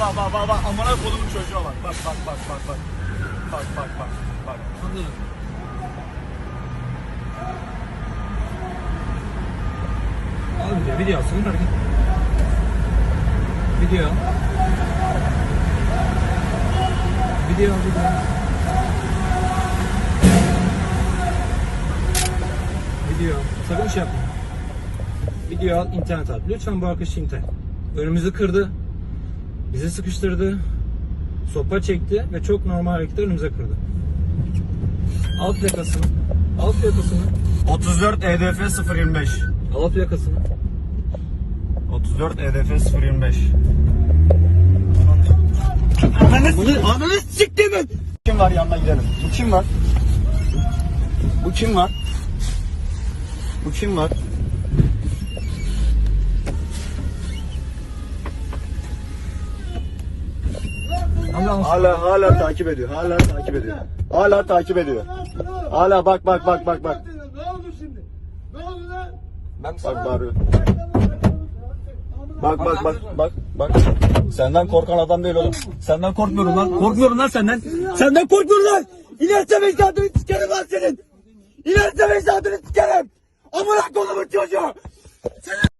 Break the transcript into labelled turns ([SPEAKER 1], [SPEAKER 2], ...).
[SPEAKER 1] bak. Amına kodumun çocuğa bak. Bak. Bak.
[SPEAKER 2] Al video alsın hareket. Video. Video. Sakın şey yapma. Video al, internet at. Lütfen bu arkadaşı internet. Önümüzü kırdı. Bizi sıkıştırdı. Sopa çekti ve çok normal hareketler önümüze kırdı. Al plakasını.
[SPEAKER 1] 34 EDF 025.
[SPEAKER 2] Al plakasını.
[SPEAKER 1] 34 EDF 025. Ananı siktir mi? Kim var yanına gidelim. Bu kim var? Hala takip ediyor. Hala bak.
[SPEAKER 3] Ne oldu şimdi? Ne oldu lan?
[SPEAKER 1] Bak bağırıyor. Bak. Senden korkan adam değil oğlum. Senden korkmuyorum lan. Korkmuyorum lan senden. Senden korkmuyorum lan. İlerse mecadını sikerim lan senin. İlerse mecadını sikerim. Amına kodumun çocuğu.